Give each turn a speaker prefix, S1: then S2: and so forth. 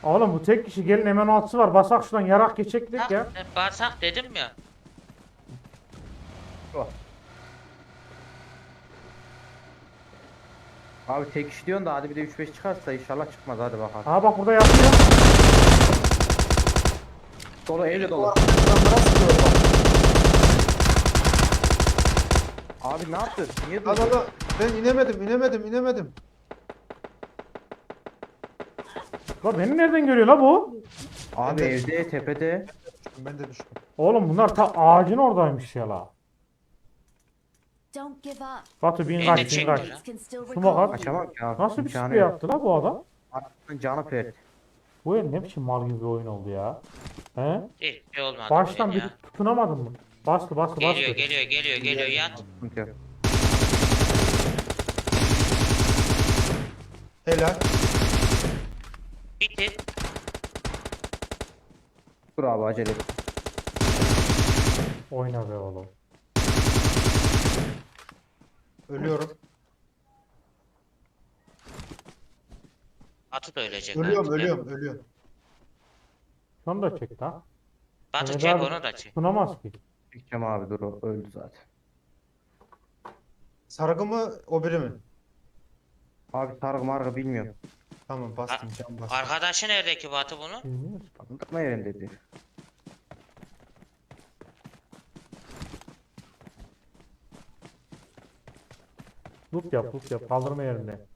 S1: Oğlum bu tek kişi, gelin hemen altısı var. Basak şuradan yarak geçecektik ya.
S2: Bağırsak dedim ya.
S3: Oh. Abi tek iş diyorsun da hadi bir de 3-5 çıkarsa inşallah çıkmaz, hadi bakalım.
S1: Aha bak burada yatıyor.
S3: Dolu, evde
S4: Bu
S3: dolu.
S4: arkadaşlar sıkıyor bak.
S3: Abi ne yaptın? Niye
S4: Lan
S3: durdun?
S4: lan, ben inemedim.
S1: La beni nereden görüyor la bu?
S3: Abi
S4: Ben de-
S3: evde, tepede.
S4: Ben de düştüm.
S1: Oğlum bunlar ta ağacın oradaymış ya la.
S5: Don't give up.
S1: Batu bin
S2: Beni
S1: kaç
S2: de
S1: bin
S2: çekti
S1: kaç.
S2: lan.
S5: Teammates can still
S1: Şuna bak.
S5: recall you.
S3: Kaçamam ki abi.
S1: Nasıl bir
S3: İmkanı
S1: sprey
S3: yok.
S1: yaptı la bu adam?
S3: Artık canı pert.
S1: Bu el ne biçim mal gibi bir oyun oldu ya. He?
S2: Hiç şey olmadı
S1: Baştan
S2: bugün
S1: bir
S2: ya.
S1: tutunamadın mı? Bastı bastı
S2: Geliyor
S1: bastı.
S2: geliyor yat.
S3: Sıkıntı yok.
S4: Helal.
S2: Bitir.
S3: Dur abi, acele et.
S1: Oyna be oğlum.
S4: Ölüyorum.
S2: Atı da ölecek.
S4: Ölüyorum.
S1: Şunu da çek ha.
S2: Batı
S1: Mehmet
S2: çek
S1: abi
S2: onu da çek.
S1: tutunamaz ki.
S3: Çekeceğim abi, dur, o öldü zaten.
S4: Sargı mı o biri mi?
S3: Abi sargı margı bilmiyorum.
S4: Tamam bastım can bastım.
S2: Arkadaşı nerede ki Batı bunu?
S1: Bilmiyoruz.
S3: Kaldırma yerinde dedi.
S1: Loot yap loot yap. Kaldırma yerinde.